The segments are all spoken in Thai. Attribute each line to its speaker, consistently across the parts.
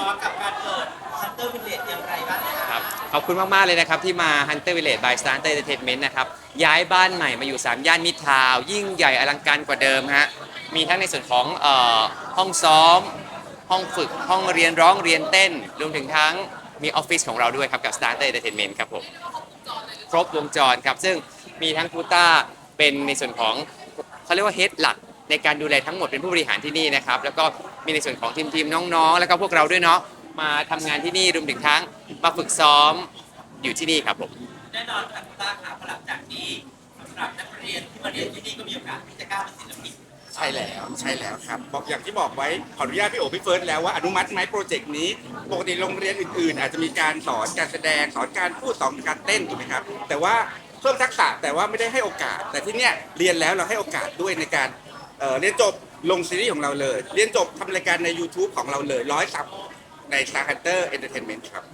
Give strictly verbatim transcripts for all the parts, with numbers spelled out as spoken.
Speaker 1: ร้อมกับการเกิด Hunter Village อย่างไรบ้างคะ
Speaker 2: ครับขอบคุณมากๆเลยนะครับที่มา Hunter Village by Star Hunter Entertainment นะครับย้ายบ้านใหม่มาอยู่สามย่านมิตรทาวน์ยิ่งใหญ่อลังการกว่าเดิมฮะมีทั้งในส่วนของเอ่อห้องซ้อมห้องฝึกห้องเรียนร้องเรียนเต้นรวมถึงทั้งมีออฟฟิศของเราด้วยครับกับ Star Hunter Entertainment ครับผมครบวงจรครับซึ่งมีทั้งคูต้าเป็นในส่วนของเขาเรียกว่าเฮดหลักในการดูแลทั้งหมดเป็นผู้บริหารที่นี่นะครับแล้วก็มีในส่วนของทีมทีมน้องๆแล้วก็พวกเราด้วยเนาะมาทำงานที่นี่รวมถึงทั้งมาฝึกซ้อมอยู่ที่นี่ครับผม
Speaker 1: แน่นอนค่ะคุณต้าค่ะหลังจากนี้สำหรับนักเรียนที่มาเรียนที่นี่ก็มีโอกาสที่จะก้าวเป็นศิลปิน
Speaker 3: ใช่แล้วใช่แล้วครับบอกอย่างที่บอกไว้ขออนุญาตพี่โอพี่เฟิร์สแล้วว่าอนุมัติไหมโปรเจกต์นี้ปกติโรงเรียนอื่นๆ อาจจะมีการสอนการแสดงสอนการพูดสอนการเต้นถูกไหมครับแต่ว่าเพิ่มทักษะแต่ว่าไม่ได้ให้โอกาส แต่ที่เนี้ยเรียนแล้วเราให้โอกาสด้วยในการเอ่อเรียนจบลงซีรีส์ของเราเลย เรียนจบทำรายการใน YouTube ของเราเลยร้อยซับใน Star Hunter Entertainment ครับ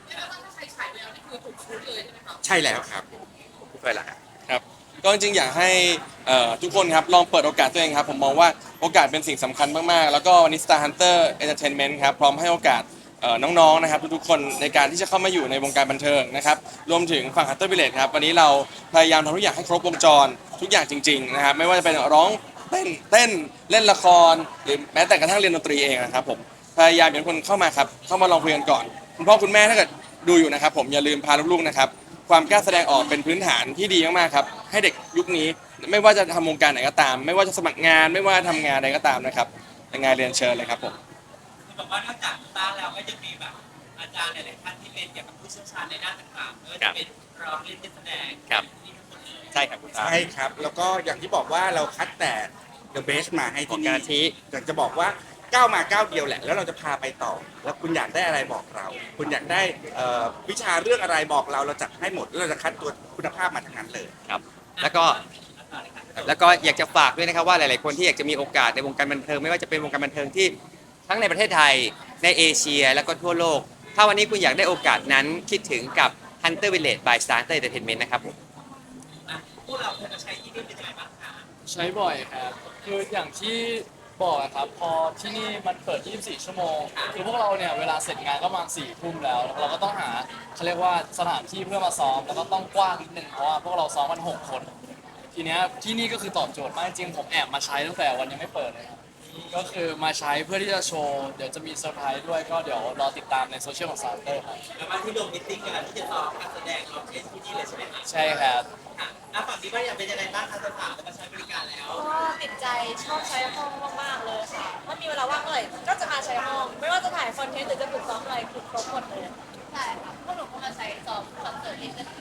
Speaker 3: ใช่แล้วครับ
Speaker 2: พี่เฟิร์นล่ะครับ
Speaker 4: ครับก็จริงๆอยากให้เอ่อทุกคนครับลองเปิดโอกาสตัวเองครับผมมองว่าโอกาสเป็นสิ่งสำคัญมากๆแล้วก็วันนี้ Star Hunter Entertainment ครับพร้อมให้โอกาสเอ่อน้องๆนะครับทุกๆคนในการที่จะเข้ามาอยู่ในวงการบันเทิงนะครับรวมถึงฝั่ง Hunter Village ครับวันนี้เราพยายามทำทุกอย่างให้ครบวงจรทุกอย่างจริงๆนะครับไม่ว่าจะเป็นร้องเต้นเต้นเล่นละครหรือแม้แต่กระทั่งเรียนดนตรีเองนะครับผมพยายามอยากให้คนเข้ามาครับเข้ามาลองคุยกันก่อนคุณพ่อคุณแม่ถ้าเกิดดูอยู่นะครับผมอย่าลืมพาลูกๆนะครับความกล้าแสดงออกเป็นพื้นฐานที่ดีมากๆครับให้เด็กยุคนี้ไม่ว่าจะทำวงการไหนก็ตาม ไม่ว่าจะสมัครงานไม่ว่าทำงานใดก็ตามนะครับยังไงเรียนเชิญเลยครับผม
Speaker 1: คือบอกว่านอกจากคุณต้าแล้วก็ยังมีแบบอาจารย์หลายๆท่านที่เป็นเกี่ยวกับผู้เชี่ยวชาญในด้านต่างๆไม่ว่าจะเป็นร้องเล่นเต้นแสดง
Speaker 2: ครับ
Speaker 1: ที่ทุกคนเลย
Speaker 2: ใช่ครับคุณตา
Speaker 3: ใช่ครับแล้วก็อย่างที่บอกว่าเราคัดแต่ The Best มาให้ที่
Speaker 2: กา
Speaker 3: นี่
Speaker 2: ทิ
Speaker 3: อยากจะบอกว่าก้าวมาก้าวเดียวแหละแล้วเราจะพาไปต่อ แล้วคุณอยากได้อะไรบอกเรา คุณอยากได้เอ่อวิชาเรื่องอะไรบอกเราเราจัดให้หมดแล้วเราจะคัดตัวคุณภาพมาทั้งนั้นเลย
Speaker 2: ครับแล้วก็แล้วก็อยากจะฝากด้วยนะครับว่าหลายๆคนที่อยากจะมีโอกาสในวงการบันเทิงไม่ว่าจะเป็นวงการบันเทิงที่ทั้งในประเทศไทยในเอเชียแล้วก็ทั่วโลกถ้าวันนี้คุณอยากได้โอกาสนั้นคิดถึงกับ Hunter Village by Star Hunter Entertainment นะครับผม
Speaker 1: พวกเราเคยมาใช้ที่นี่เป็นยังไงบ้างคะ
Speaker 5: ใช้บ่อยครับคืออย่างที่บอกอะครับพอที่นี่มันเปิด ยี่สิบสี่ ชั่วโมงคือพวกเราเนี่ยเวลาเสร็จงานก็ประมาณสี่ทุ่มแล้ว เราก็ต้องหาเขาเรียกว่าสถานที่เพื่อมาซ้อมแล้วก็ต้องกว้างนิดนึงเพราะว่าพวกเราซ้อมกันหกคน ทีเนี้ยที่นี่ก็คือตอบโจทย์มากจริงผมแอบมาใช้ตั้งแต่วันยังไม่เปิดเลยครับก็คือมาใช้เพื่อที่จะโชว์เดี๋ยวจะมีเซอร์ไพรส์ด้วยก็เดี๋ยวรอติดตามในโซเชียลของซาร์เตอร์ครับ
Speaker 1: แล้วมาที่โดมมิทติ้งกันที่จะซ้อมการแสดงร้องเพลงที่นี่เลยใช่ไหมคะ
Speaker 5: ใช่ครับ
Speaker 1: ค่ะอ่ะฝั่งนี้ว่าอยากเป็นยังไงบ้างคะสถานแล้วมาใช้บริการแล้ว
Speaker 6: ก็ติดใจชอบใช้ห้องมากๆเลยค่ะถ้ามีเวลาว่างเมื่อไหร่ก็จะมาใช้ห้อง ไม่ว่าจะถ่ายคอนเทนต์หรือจะฝึกซ้อมอะไรคือครบหมดเลยใช่ค่ะพวกหนูก็มาใช้ซ้อมคอนเสิร์ตเองกัน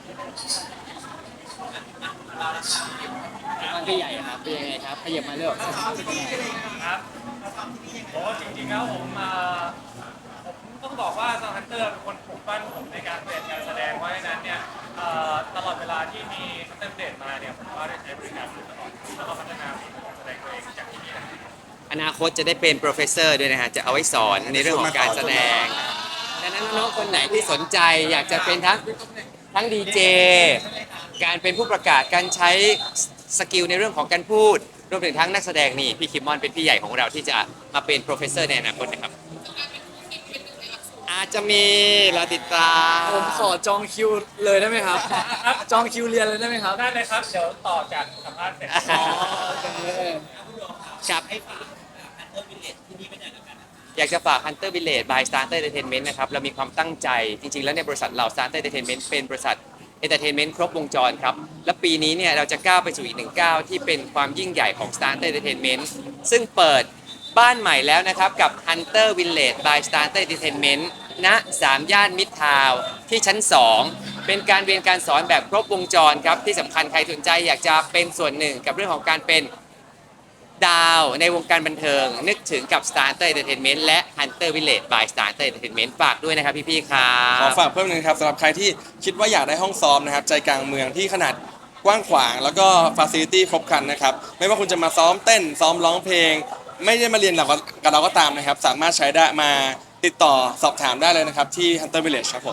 Speaker 5: มันก็ใหญ่ครับเป็นยังไงครับขยับมาเรื่อย
Speaker 7: ครับโอ้จริงๆแล้วผมมาผมต้องบอกว่าซาวฮันเตอร์เป็นคนปลุกปั้นผมในการเรียนการแสดงเพราะฉะนั้นเนี่ยตลอดเวลาที่มีฮันเตอร์เดทมาเนี่ยผมก็ได้ใช้บริการตลอดแล้วก็พัฒนาฝีมือการแสดงตัวเองจากที่นี่นะครับ
Speaker 2: อนาคตจะได้เป็นโปรเฟสเซอร์ด้วยนะฮะจะเอาไว้สอนในเรื่องของการแสดงดังนั้นน้องๆคนไหนที่สนใจอยากจะเป็นทั้งทั้งดีเจการเป็นผู้ประกาศการใช้สกิลในเรื่องของการพูดรวมถึงทั้งนักแสดงนี่พี่คิมมอนเป็นพี่ใหญ่ของเราที่จะมาเป็นโปรเฟสเซอร์ในอนาคตนะครับอาจจะมีเราติดตาม
Speaker 5: ผมขอจองคิวเลยได้ไหมครับจองคิวเรียนเลยได้ไหมครับ
Speaker 7: ได้เลยครับเดี๋ยวต่อจากสัมภาษณ์เสร็จ
Speaker 2: ครับ
Speaker 1: ให้ฝากฮันเตอร์วิลเลจที่นี่เป็นยังไงกัน
Speaker 2: อยากจะฝาก Hunter Village by Star Hunter Entertainment นะครับเรามีความตั้งใจจริงๆแล้วในบริษัทเรา Star Hunter Entertainment เป็นบริษัท Entertainment ครบวงจรครับและปีนี้เนี่ยเราจะก้าวไปสู่อีกหนึ่งก้าวที่เป็นความยิ่งใหญ่ของ Star Hunter Entertainment ซึ่งเปิดบ้านใหม่แล้วนะครับกับ Hunter Village by Star Hunter Entertainment ณสามย่านมิตรทาวน์ที่ชั้นสองเป็นการเรียนการสอนแบบครบวงจรครับที่สำคัญใครสนใจอยากจะเป็นส่วนหนึ่งกับเรื่องของการเป็นดาวในวงการบันเทิงนึกถึงกับ Star Hunter Entertainment และ Hunter Village by Star Hunter Entertainment ฝากด้วยนะครับพี่ๆครับ
Speaker 4: ขอฝากเพิ่มหนึงครับสำหรับใครที่คิดว่าอยากได้ห้องซ้อมนะครับใจกลางเมืองที่ขนาดกว้างขวางแล้วก็ฟาซิลิตี้ครบครันนะครับไม่ว่าคุณจะมาซ้อมเต้นซ้อมร้องเพลงไม่ได้มาเรียนกับเราก็ตามนะครับสามารถใช้ได้มาติดต่อสอบถามได้เลยนะครับที่ Hunter Village ครับผม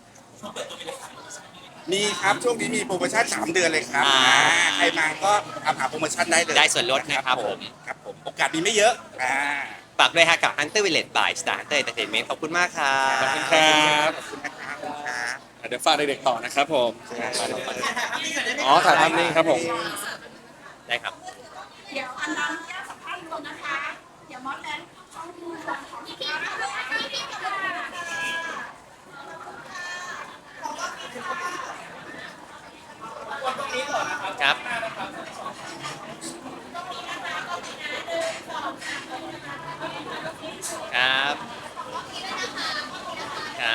Speaker 3: มีครับช่วงนี้มีโปรโมชั่นสามเดือนเลยครับใครมาก็ทำหาโปรโมชั่นได้เลย
Speaker 2: ได้ส่วนลดนะครับผม
Speaker 3: ครับผมโอกาสมีไม่เยอะอ่า
Speaker 2: ไปฝากด้วยฮะกับ Hunter Village by Star Hunter Entertainment ขอบคุณมากครับ
Speaker 4: ขอบคุณครับ
Speaker 3: ขอบคุณนะครับขอบคุณครับ
Speaker 4: เดี๋ยวฝากเด็กๆต่อนะครับผม
Speaker 1: ถ่ายภาพนิ่งก่อนได้ไหม
Speaker 4: อ๋อถ่ายภาพนิ่งครับผม
Speaker 2: ได้ครับ
Speaker 8: เดี๋ยวอันนั้นแยกสัมภาษณ์รวมนะคะ เดี๋ยวมอสแลนด์ต้องดูส่วนของพี่ๆนะคะพี่ๆค่ะ
Speaker 2: ครับ ครับ ครับ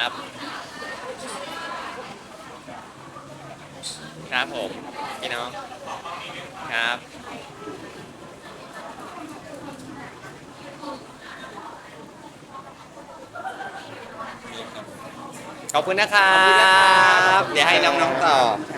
Speaker 2: ครับผม พี่น้อง ครับ ขอบคุณนะครับ เดี๋ยวให้น้องๆต่อ